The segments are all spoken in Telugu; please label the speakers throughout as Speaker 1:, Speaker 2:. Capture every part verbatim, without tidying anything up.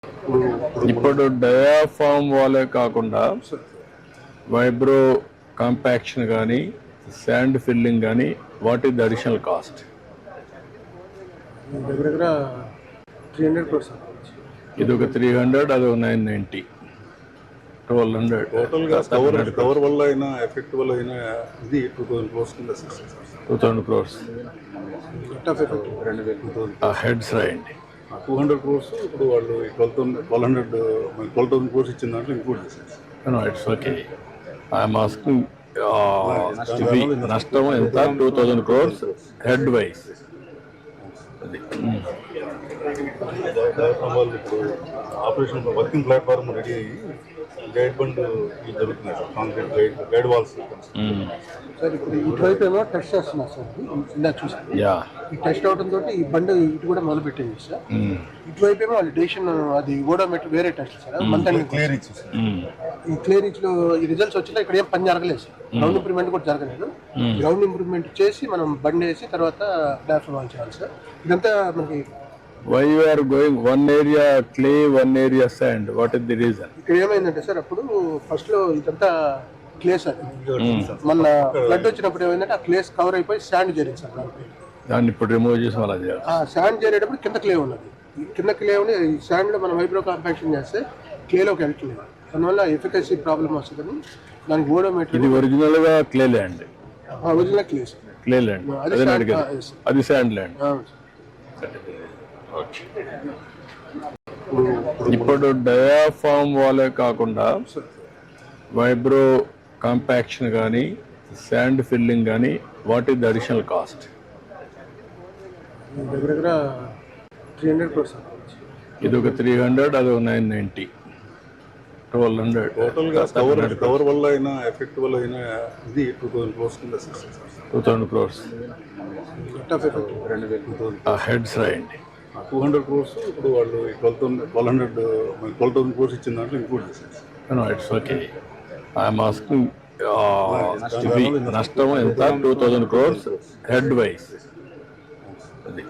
Speaker 1: ఇప్పుడు డయాఫామ్ వాలే కాకుండా వైబ్రో కాంపాక్షన్ కానీ శాండ్ ఫిల్లింగ్ కానీ what is the additional cost?
Speaker 2: దగ్గర దగ్గర త్రీ హండ్రెడ్ క్రోర్స్.
Speaker 1: ఇది ఒక త్రీ హండ్రెడ్ అది ఒక నైన్ నైంటీ ట్వెల్వ్ హండ్రెడ్
Speaker 3: టోటల్గా కవర్ కవర్ వల్ల అయినా ఎఫెక్ట్ వల్ల అయినా ఇది టూ థౌసండ్ క్రోర్స్ కింద
Speaker 1: టూ థౌసండ్ క్రోర్స్
Speaker 3: రెండు వేల టూ థౌసండ్
Speaker 1: హెడ్స్ రాయండి.
Speaker 3: టూ హండ్రెడ్ క్రోర్స్ ఇప్పుడు వాళ్ళు twelve thousand twelve hundred twelve thousand crores ఇచ్చిన దాంట్లో ఇంక్లూడ్ చేసేసి
Speaker 1: ఇట్స్ ఓకే. ఐఎమ్ ఆస్కింగ్ నష్టం ఎంత? Two thousand crores head wise. అది
Speaker 3: వాళ్ళు ఇప్పుడు ఆపరేషన్ వర్కింగ్ ప్లాట్ఫామ్ రెడీ అయ్యి గైడ్ బండ్ ఇవి జరుగుతున్నాయి sir, concrete guide guide walls.
Speaker 2: Sir ఇప్పుడు ఇటువైపు ఏమో టెస్ట్ చేస్తున్నారు సార్, ఇందాక చూసాను.
Speaker 1: యా
Speaker 2: ఈ టెస్ట్ అవడం తోటి ఈ బండి ఇటు కూడా మొదలు పెట్టింది సార్. ఇటువైపు ఏమో వాళ్ళు డేషన్ అది ఓడోమీటర్ వేరే టెస్ట్ సార్, మంత్
Speaker 3: క్లియర్ ఇచ్చేసి
Speaker 2: ఈ క్లియర్ ఇచ్ లో ఈ రిజల్ట్స్ వచ్చినా ఇక్కడ ఏం పని జరగలేదు సార్. గ్రౌండ్ ఇంప్రూవ్మెంట్ కూడా జరగలేదు. గ్రౌండ్ ఇంప్రూవ్మెంట్ చేసి మనం బండి వేసి తర్వాత డాఫ్ వాల్ చేయాలి సార్. ఇదంతా మనకి
Speaker 1: why you are going one area clay one area sand, what is the reason?
Speaker 2: ఇక్కడ ఏమైందంటే సార్, అప్పుడు ఫస్ట్ లో ఇదంతా క్లే సార్, మన ఫ్లడ్ వచ్చినప్పుడు ఏమైందంటే ఆ క్లేస్ కవర్ అయిపోయి శాండ్ జరిగింది సార్.
Speaker 1: దాన్ని ఇప్పుడు రిమూవ్ చేసి అలా చేయాలి.
Speaker 2: ఆ శాండ్ చేరేటప్పుడు కింద క్లే ఉన్నది. ఈ కింద క్లే ఉండి ఈ శాండ్ లో మనం వైబ్రో కాంపాక్షన్ చేస్తే క్లేలోకి వెళ్తలేదు. దానివల్ల ఎఫికసీ ప్రాబ్లమ్ వస్తుందని దానికి ఓడోమీటర్.
Speaker 1: ఇది ఒరిజినల్ గా clay land,
Speaker 2: original clay sir,
Speaker 1: clay land. అది శాండ్ ల్యాండ్. ఇప్పుడు డయాఫామ్ వాలే కాకుండా వైబ్రో కాంపాక్షన్ కానీ శాండ్ ఫిల్లింగ్ కానీ what is the additional cost?
Speaker 2: దగ్గర దగ్గర త్రీ హండ్రెడ్ క్రోర్స్.
Speaker 1: ఇది ఒక త్రీ హండ్రెడ్ అది ఒక నైన్ నైంటీ ట్వెల్వ్ హండ్రెడ్
Speaker 3: టోటల్గా కవర్ కవర్ వల్ల అయినా ఎఫెక్ట్ వల్ల అయినా ఇది టూ థౌసండ్ క్రోర్స్ కింద
Speaker 1: టూ థౌసండ్ క్రోర్స్
Speaker 3: రెండు వేల టూ థౌసండ్
Speaker 1: హెడ్స్ రాయండి.
Speaker 3: టూ హండ్రెడ్ క్రోర్స్ ఇప్పుడు వాళ్ళు twelve thousand twelve hundred twelve thousand crores ఇచ్చిన దాంట్లో ఇంక్లూడ్ చేసేసి
Speaker 1: ఇట్స్ ఓకే. ఐఎమ్ ఆస్కింగ్ నష్టం ఎంత? Two thousand crores head wise. అది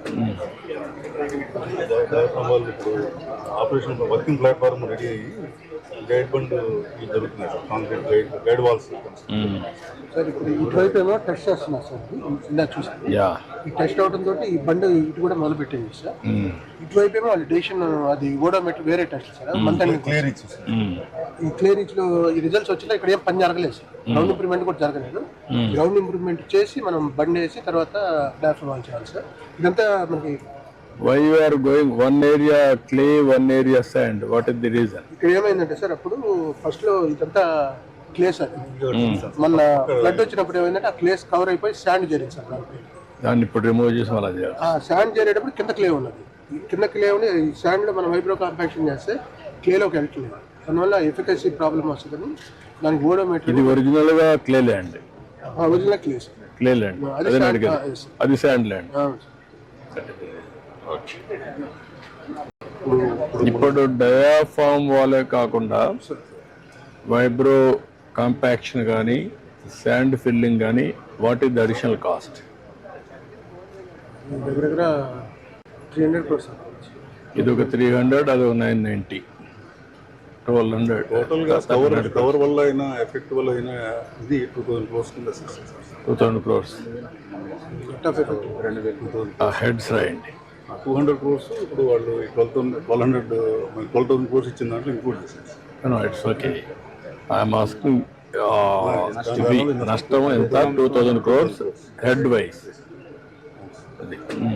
Speaker 3: వాళ్ళు ఇప్పుడు ఆపరేషన్ వర్కింగ్ ప్లాట్ఫామ్ రెడీ అయ్యి గైడ్ బండ్ ఇవి జరుగుతున్నాయి sir, concrete guide guide walls.
Speaker 2: Sir ఇప్పుడు ఇటువైపు ఏమో టెస్ట్ చేస్తున్నారు సార్, ఇందాక చూసాను.
Speaker 1: యా
Speaker 2: ఈ టెస్ట్ అవడం తోటి ఈ బండి ఇటు కూడా మొదలు పెట్టింది సార్. ఇటువైపు ఏమో వాళ్ళు డేషన్ అది ఓడోమీటర్ వేరే టెస్ట్ సార్, మంత్
Speaker 3: క్లియర్ ఇచ్చేసి
Speaker 2: ఈ క్లియర్ ఇచ్ లో ఈ రిజల్ట్స్ వచ్చినా ఇక్కడ ఏం పని జరగలేదు సార్. గ్రౌండ్ ఇంప్రూవ్మెంట్ కూడా జరగలేదు. గ్రౌండ్ ఇంప్రూవ్మెంట్ చేసి మనం బండి వేసి తర్వాత డాఫ్ వాల్ చేయాలి సార్. ఇదంతా మనకి
Speaker 1: why you are going one area clay one area sand, what is the reason?
Speaker 2: ఇక్కడ ఏమైందంటే సార్, అప్పుడు ఫస్ట్ లో ఇదంతా క్లే సార్, మన ఫ్లడ్ వచ్చినప్పుడు ఏమైందంటే ఆ క్లేస్ కవర్ అయిపోయి శాండ్ జరిగింది సార్.
Speaker 1: దాన్ని ఇప్పుడు రిమూవ్ చేసి అలా చేయాలి.
Speaker 2: ఆ శాండ్ చేరేటప్పుడు కింద క్లే ఉన్నది. ఈ కింద క్లే ఉండి ఈ శాండ్ లో మనం వైబ్రో కాంపాక్షన్ చేస్తే క్లేలోకి వెళ్తలేదు. దానివల్ల ఎఫికసీ ప్రాబ్లమ్ వస్తుందని దానికి ఓడోమీటర్.
Speaker 1: ఇది ఒరిజినల్ గా clay land,
Speaker 2: original clay sir,
Speaker 1: clay land. అది శాండ్ ల్యాండ్. ఇప్పుడు డయాఫామ్ వాలే కాకుండా వైబ్రో కాంపాక్షన్ కానీ శాండ్ ఫిల్లింగ్ కానీ what is the additional cost?
Speaker 2: దగ్గర దగ్గర త్రీ హండ్రెడ్ క్రోర్స్.
Speaker 1: ఇది ఒక త్రీ హండ్రెడ్ అది ఒక నైన్ నైంటీ ట్వెల్వ్ హండ్రెడ్
Speaker 3: టోటల్గా కవర్ కవర్ వల్ల అయినా ఎఫెక్ట్ వల్ల అయినా ఇది టూ థౌసండ్ క్రోర్స్ కింద
Speaker 1: టూ థౌసండ్ క్రోర్స్
Speaker 3: రెండు వేల టూ థౌసండ్
Speaker 1: హెడ్స్ రాయండి.
Speaker 3: టూ హండ్రెడ్ క్రోర్స్ ఇప్పుడు వాళ్ళు twelve thousand twelve hundred twelve thousand crores ఇచ్చిన దాంట్లో ఇంక్లూడ్ చేసేసి
Speaker 1: ఇట్స్ ఓకే. ఐఎమ్ ఆస్కింగ్ నష్టం ఎంత? Two thousand crores head wise. అది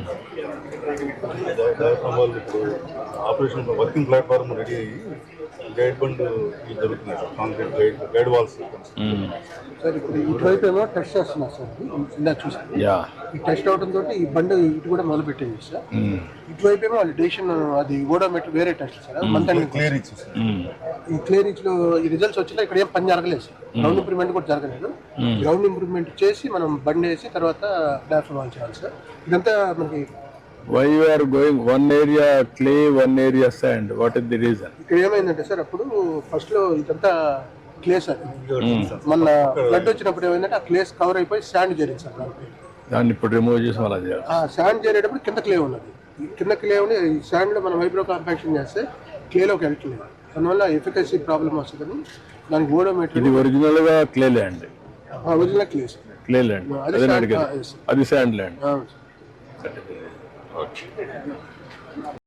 Speaker 3: వాళ్ళు ఇప్పుడు ఆపరేషన్ వర్కింగ్ ప్లాట్ఫామ్ రెడీ అయ్యి గైడ్ బండ్ ఇవి జరుగుతున్నాయి sir, concrete guide guide walls.
Speaker 2: Sir ఇప్పుడు ఇటువైపు ఏమో టెస్ట్ చేస్తున్నారు సార్, ఇందాక చూసాను.
Speaker 1: యా
Speaker 2: ఈ టెస్ట్ అవడం తోటి ఈ బండి ఇటు కూడా మొదలు పెట్టింది సార్. ఇటువైపు ఏమో వాళ్ళు డేషన్ అది ఓడోమీటర్ వేరే టెస్ట్ సార్, మంత్
Speaker 3: క్లియర్ ఇచ్చేసి
Speaker 2: ఈ క్లియర్ ఇచ్ లో ఈ రిజల్ట్స్ వచ్చినా ఇక్కడ ఏం పని జరగలేదు సార్. గ్రౌండ్ ఇంప్రూవ్మెంట్ కూడా జరగలేదు. గ్రౌండ్ ఇంప్రూవ్మెంట్ చేసి మనం బండి వేసి తర్వాత డాఫ్ వాల్ చేయాలి సార్. ఇదంతా మనకి
Speaker 1: why you are going one area clay one area sand, what is the reason?
Speaker 2: ఇక్కడ ఏమైందంటే సార్, అప్పుడు ఫస్ట్ లో ఇదంతా క్లే సార్, మన ఫ్లడ్ వచ్చినప్పుడు ఏమైందంటే ఆ క్లేస్ కవర్ అయిపోయి శాండ్ జరిగింది సార్.
Speaker 1: దాన్ని ఇప్పుడు రిమూవ్ చేసి అలా చేయాలి.
Speaker 2: ఆ శాండ్ చేరేటప్పుడు కింద క్లే ఉన్నది. ఈ కింద క్లే ఉండి ఈ శాండ్ లో మనం వైబ్రో కాంపాక్షన్ చేస్తే క్లేలోకి వెళ్ళట్లేదు, దానివల్ల ఎఫికసీ ప్రాబ్లం వస్తుందని దానికి
Speaker 1: ఇది
Speaker 2: ఓడోమీటర్
Speaker 1: ఒరిజినల్ గా clay land,
Speaker 2: original clay sir.
Speaker 1: Clay land
Speaker 2: అది
Speaker 1: అదే
Speaker 2: sand-
Speaker 1: అడిగారు,
Speaker 2: ఆ, yes.
Speaker 1: అది శాండ్ ల్యాండ్.
Speaker 2: అవును సార్.
Speaker 1: ఓకే.